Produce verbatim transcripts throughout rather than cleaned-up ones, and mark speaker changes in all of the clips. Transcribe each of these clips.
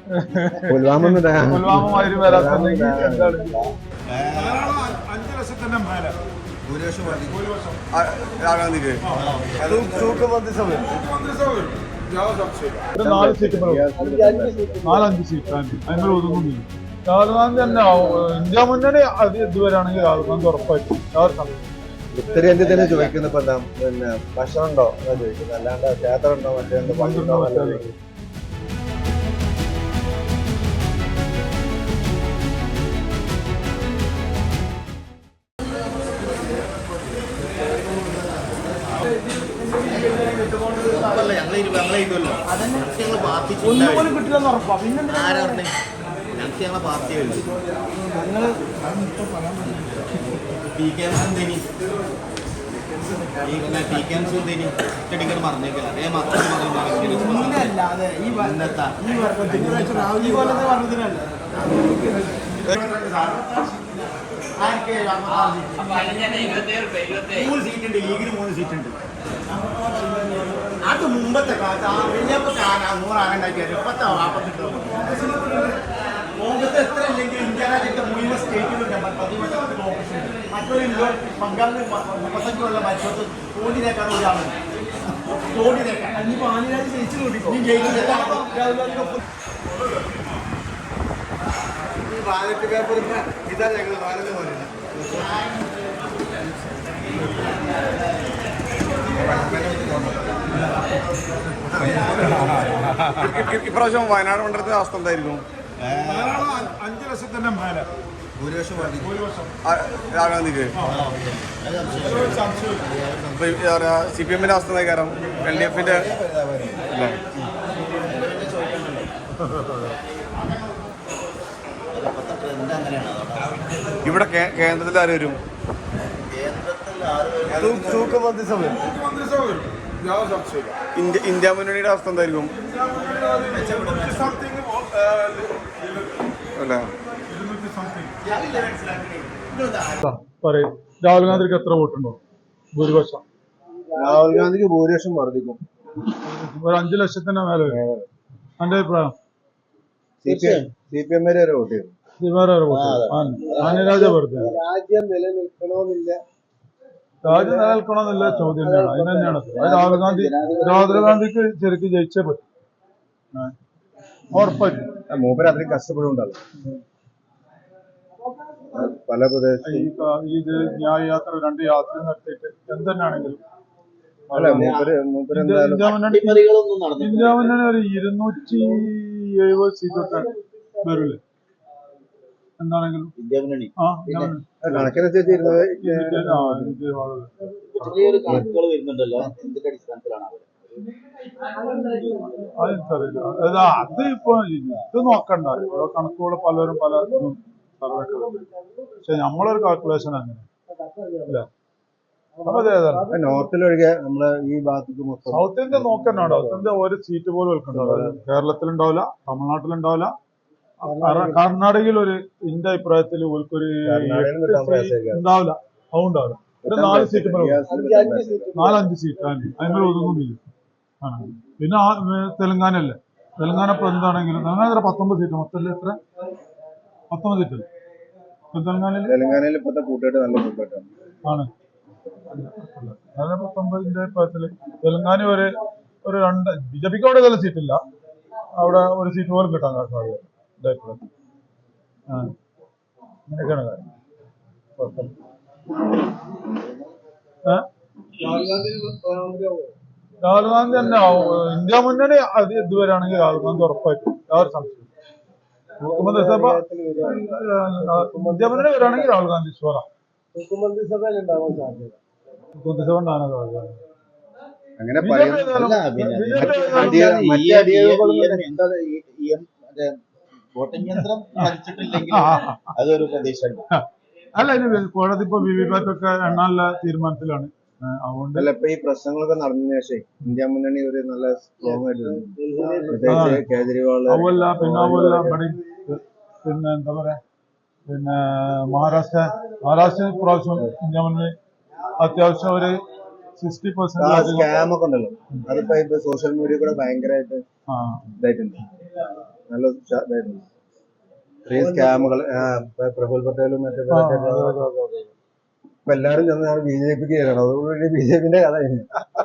Speaker 1: പുൽവാമ
Speaker 2: പുൽവാമ മാതിരി വരാത്തുണ്ടെങ്കിൽ എന്താണ്
Speaker 3: അഞ്ച് ലക്ഷത്തിന്റെ മേലെ
Speaker 1: ഭൂരിപക്ഷം രാഹുൽ ഗാന്ധിക്ക് മന്ത്രിസഭ
Speaker 2: നാല് സീറ്റ് നാലഞ്ച് സീറ്റ് അതിന് ഒതുങ്ങുന്നില്ല. രാഹുൽ ഗാന്ധി തന്നെ ഇന്ത്യ മുന്നണി അത് ഇതുവരെയാണെങ്കിൽ രാഹുൽ ഗാന്ധി ഉറപ്പായിട്ടും
Speaker 1: ഉത്തരേന്ത്യ തന്നെ ചോദിക്കുന്ന ഇപ്പൊ എന്താ പിന്നെ ഭക്ഷണം ഉണ്ടോ എന്നാ ചോദിക്കുന്നത്, അല്ലാണ്ട് ക്ഷേത്രം ഉണ്ടോ മറ്റേ പണ്ടുണ്ടോ.
Speaker 4: മൂന്ന് സീറ്റുണ്ട്, ലീഗിന് മൂന്ന് സീറ്റുണ്ട്. അത് മുമ്പത്തെ കാലത്ത് ആ വലിയപ്പോ നൂറാകണ്ടാക്കിയാൽ ഇപ്പത്തെ നാൽപ്പത്തെട്ട് കോൺഗ്രസ് എത്ര ഇല്ലെങ്കിൽ ഇന്ത്യ രാജ്യത്തെ മുഴുവൻ സ്റ്റേറ്റുകളുണ്ട് പതിനെട്ട് ഓപ്പറേഷൻ. മറ്റൊരു ബംഗാളിൽ മുപ്പത്തഞ്ച് കൊല്ലം മറ്റൊരു കോടിനേക്കാൾ ഒരാളുണ്ട്. കോടിനേക്കാൾ ഇനിയിപ്പോൾ ആനിരാജ് ജയിച്ചു കൂട്ടിക്കോ ഈ ബാലറ്റ് പേപ്പർ ഇതാ ഞങ്ങൾ ബാലറ്റ് പോലെ
Speaker 3: ഇപ്രാവശ്യം വയനാട് മണ്ഡലത്തിന്റെ അവസ്ഥ എന്തായിരിക്കും?
Speaker 2: അഞ്ച് ലക്ഷത്തിന്റെ മേലെ
Speaker 1: ഭൂരിപക്ഷം
Speaker 3: രാഹുൽ ഗാന്ധിക്ക്. സി പി എമ്മിന്റെ അവസ്ഥ കാരണം എൽ ഡി എഫിന്റെ ഇവിടെ കേന്ദ്രത്തിൽ ആര് വരും?
Speaker 1: മന്ത്രിസഭ
Speaker 3: ഇന്ത്യ മുന്നണിയുടെ അവസ്ഥ എന്തായിരിക്കും? അല്ല
Speaker 2: പറയും രാഹുൽ ഗാന്ധിക്ക് എത്ര വോട്ടുണ്ടോ? ഭൂരിപക്ഷം
Speaker 1: രാഹുൽ ഗാന്ധിക്ക് ഭൂരിപക്ഷം വർദ്ധിക്കും.
Speaker 2: ഒരു അഞ്ചു ലക്ഷത്തിന്റെ മേലെ. എന്റെ അഭിപ്രായം
Speaker 1: സി പി എം വരെ വോട്ട് ചെയ്തു.
Speaker 2: ആനിരാജ വെറുതെ
Speaker 1: രാജ്യം നിലനിൽക്കണമെന്നില്ല
Speaker 2: രാജ്യം നിലനിൽക്കണമെന്നില്ല ചോദ്യം തന്നെയാണ്. അതിന് തന്നെയാണ് രാഹുൽ ഗാന്ധി രാഹുൽ ഗാന്ധിക്ക് ശരിക്കും ജയിച്ചേ പറ്റും, ഉറപ്പായിട്ടും.
Speaker 1: മൂപ്പര് അത്രയും കഷ്ടപ്പെടുന്നുണ്ടല്ലോ പല പ്രദേശം.
Speaker 2: ഇത് ന്യായ യാത്ര രണ്ട് യാത്ര നടത്തിയിട്ട് എന്തെന്നാണെങ്കിലും ഇന്ത്യ മുന്നണി ഒരു ഇരുന്നൂറ്റി എഴുപത് സീറ്റൊക്കെ വരൂലേ എന്താണെങ്കിലും. ആ
Speaker 1: കണക്കിനനുസരിച്ച്
Speaker 2: അതെനിക്കറിയില്ല. അത് ഇപ്പൊ ഇത് നോക്കണ്ട, ഓരോ കണക്കുകൾ പലരും പല സർവേക്കെ. പക്ഷെ നമ്മളൊരു കാൽക്കുലേഷൻ അങ്ങനെ അല്ലേ.
Speaker 1: നോർത്തിലൊഴികെ നമ്മളെ ഈ ഭാഗത്തേക്ക് മൊത്തം
Speaker 2: സൗത്ത് ഇന്ത്യ നോക്കണ്ട. സൗത്ത് ഇന്ത്യ ഒരു സീറ്റ് പോലും വെക്കണ്ടാവില്ല. കേരളത്തിലുണ്ടാവില്ല, തമിഴ്നാട്ടിലുണ്ടാവില്ല, കർണാടകയിൽ ഒരു എന്റെ അഭിപ്രായത്തിൽ ഓൽക്കൊരു ഉണ്ടാവില്ല, അതുണ്ടാവില്ല. ഒരു നാല് സീറ്റ് നാലഞ്ച് സീറ്റ് അതിന്മേൽ ഒതുങ്ങുന്നില്ല. പിന്നെ തെലങ്കാന അല്ലേ, തെലങ്കാന ഇപ്പൊ എന്താണെങ്കിലും തെലങ്കാന പത്തൊമ്പത് സീറ്റ് മൊത്തം എത്ര പത്തൊമ്പത് സീറ്റ് തെലങ്കാനയിൽ.
Speaker 1: തെലങ്കാനയിൽ ഇപ്പോഴത്തെ കൂട്ടുകെട്ട് നല്ല കൂട്ടുകെട്ടാണ്
Speaker 2: ആണ്. അതിന് പത്തൊമ്പതിന്റെ അഭിപ്രായത്തില് തെലങ്കാന ഒരു ഒരു രണ്ട് ബി ജെ പിക്ക് അവിടെ നല്ല സീറ്റില്ല, അവിടെ ഒരു സീറ്റ് പോലും കിട്ടാൻ സാധ്യത. അങ്ങനെയൊക്കെയാണ് കാര്യം. രാഹുൽ ഗാന്ധി തന്നെ ഇന്ത്യ മുന്നണി അത് ഇതുവരെയാണെങ്കിൽ രാഹുൽ ഗാന്ധി ഉറപ്പായിട്ടും യാതൊരു സംശയം. മുഖ്യമന്ത്രിസഭ ഇന്ത്യ മുന്നണി വരികയാണെങ്കിൽ രാഹുൽ ഗാന്ധി ഷുവറാ.
Speaker 1: മന്ത്രിസഭയിൽ ഉണ്ടാവാൻ സാധ്യത
Speaker 2: മന്ത്രിസഭ ഉണ്ടാകാൻ സാധ്യത.
Speaker 1: അങ്ങനെ
Speaker 4: വോട്ടിംഗ് യന്ത്രം കളിച്ചിട്ടില്ലെങ്കിൽ അതൊരു പ്രതീക്ഷയുണ്ട്.
Speaker 2: അല്ല, ഇനി കോടതി ഇപ്പൊ വി വി പാറ്റ് ഒക്കെ എണ്ണാനുള്ള തീരുമാനത്തിലാണ്. അതുകൊണ്ട്
Speaker 1: ഇപ്പൊ ഈ പ്രശ്നങ്ങളൊക്കെ നടന്നതിന് ശേഷം ഇന്ത്യ മുന്നണി ഒരു നല്ല സ്ട്രോങ് ആയിട്ട് കേജ്രിവാൾ
Speaker 2: അതുമല്ല പിന്നെ അതുമല്ല ഇവിടെ പിന്നെ എന്താ പറയാ പിന്നെ മഹാരാഷ്ട്ര മഹാരാഷ്ട്ര പ്രാവശ്യം ഇന്ത്യ മുന്നണി അത്യാവശ്യം ഒരു സിക്സ്റ്റി പെർസെന്റ്
Speaker 1: സ്കാം ഒക്കെ ഉണ്ടല്ലോ, അതിപ്പോ സോഷ്യൽ മീഡിയ കൂടെ ഭയങ്കരമായിട്ട് ഇതായിട്ടുണ്ട്. നല്ല ഉഷാ- ഇതായിരുന്നു. ഇത്രയും സ്കാമുകൾ പ്രഫുൽ പട്ടേലും മറ്റേ
Speaker 2: ആ,
Speaker 1: ഇവരൊക്കെ
Speaker 2: അതെ, അതെ, അതെ, അതെ.
Speaker 1: ഇപ്പൊ എല്ലാവരും ചെന്ന് ബി ജെ പിക്ക് കയറണം. അതോടുകൂടി ബി ജെ പിന്റെ കഥ കഴിഞ്ഞു.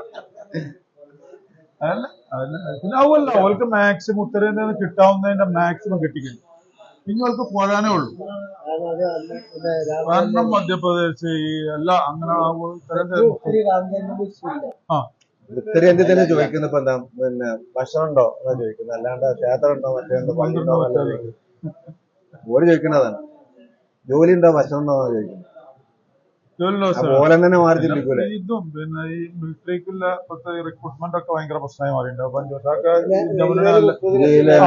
Speaker 2: അതല്ല അതല്ല പിന്നെ അതുമല്ല അവർക്ക് മാക്സിമം ഉത്തരേന്ത്യയിൽ നിന്ന് കിട്ടാവുന്നതിന്റെ മാക്സിമം കിട്ടിക്കുന്നു. പിന്നെ അവർക്ക് പോരാനേ ഉള്ളൂ. കാരണം മധ്യപ്രദേശ് ഈ എല്ലാ അങ്ങനെ ആ ഉത്തരേന്ത്യ ആ
Speaker 1: ഉത്തരേന്ത്യ തന്നെ ചോദിക്കുന്നത് ഇപ്പൊ എന്താ പിന്നെ ഭക്ഷണം ഉണ്ടോ എന്നാ ചോദിക്കുന്നത്. അല്ലാണ്ട് ക്ഷേത്രം ഉണ്ടോ മറ്റേ ഉണ്ടോ പള്ളി ഉണ്ടോ എന്നല്ല ചോദിക്കുന്നത്. ഓര് ചോദിക്കുന്നതാണ് ജോലി ഉണ്ടോ ഭക്ഷണം ഉണ്ടോ എന്നാ ചോദിക്കുന്നത്.
Speaker 2: ജോലി ലോസ്
Speaker 1: പോലെ തന്നെ മാറി ചിന്തിക്കൂലേ.
Speaker 2: ഇതും പിന്നെ ഈ മിലിറ്ററിക്കുള്ള ഇപ്പോഴത്തെ റിക്രൂട്ട്മെന്റ് ഒക്കെ ഭയങ്കര പ്രശ്നമായി മാറിയിട്ടുണ്ട്. അപ്പൊ അതൊക്കെ ഇന്ത്യ മുന്നണി നല്ല
Speaker 1: ഇന്ത്യയിലെ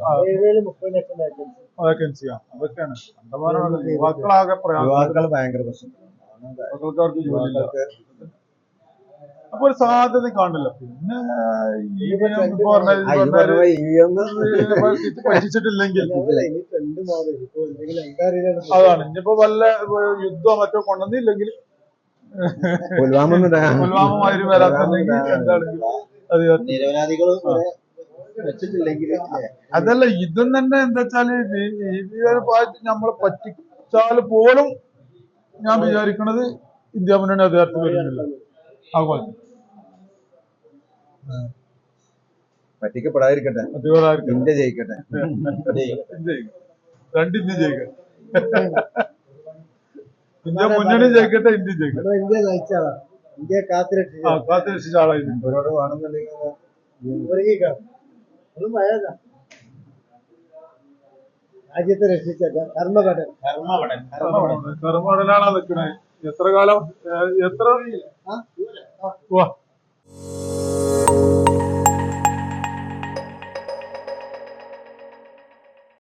Speaker 2: വേക്കൻസിയാ അതൊക്കെയാണ് കണ്ടമാനം യുവാക്കളാകെ പ്രയാസം.
Speaker 1: യുവാക്കൾ ഭയങ്കര പ്രശ്നം.
Speaker 2: യുവാക്കൾക്ക് ജോലിയില്ല. അപ്പൊ ഒരു സാധ്യത കാണില്ല. പിന്നെ ഈ ഇപ്പൊ പറഞ്ഞ
Speaker 1: ആ, ഈ പറഞ്ഞ പോലെ ഇ വി എം
Speaker 2: പരീക്ഷിച്ചിട്ടില്ലെങ്കിൽ അതാണ് ഇനിയിപ്പോ വല്ല യുദ്ധമോ മറ്റോ കൊണ്ടുവന്നില്ലെങ്കിൽ
Speaker 1: പുൽവാമ
Speaker 2: പുൽവാമ മാതിരി വരാത്തുണ്ടെങ്കിൽ എന്താണെങ്കിൽ അത്
Speaker 4: നിരപരാധികൾ വെച്ചിട്ടില്ലെങ്കിൽ
Speaker 2: അതല്ല ഇതും തന്നെ എന്താ വെച്ചാല് ഈ ഒരു പാർട്ടി നമ്മളെ പറ്റിച്ചാല് പോലും ഞാൻ വിചാരിക്കണത് ഇന്ത്യ മുന്നണി അധികാരത്തിൽ വരുന്നില്ല. അതുപോലെ
Speaker 1: പറ്റിക്കപ്പെടാതിരിക്കട്ടെ.
Speaker 2: അധികാരം
Speaker 1: ഇന്ത്യ ജയിക്കട്ടെ.
Speaker 2: രണ്ട് ഇന്ത്യ ജയിക്കട്ടെ. ഇന്ത്യ മുന്നണി ജയിക്കട്ടെ, ഇന്ത്യ ജയിക്കട്ടെ.
Speaker 4: ഇന്ത്യ നയിച്ചാളാ ഇന്ത്യ കാത്തിരക്ഷിച്ച
Speaker 2: ആ കാത്തിരക്ഷിച്ച ആളായിരുന്നു.
Speaker 1: ഇവരോട് വേണമെന്നുണ്ടെങ്കിൽ
Speaker 4: രാജ്യത്തെ രക്ഷിച്ച കർമ്മഘടൻ കർമ്മഘടൻ
Speaker 2: കർമ്മടനാണോ നിൽക്കണേ? എത്ര കാലം എത്ര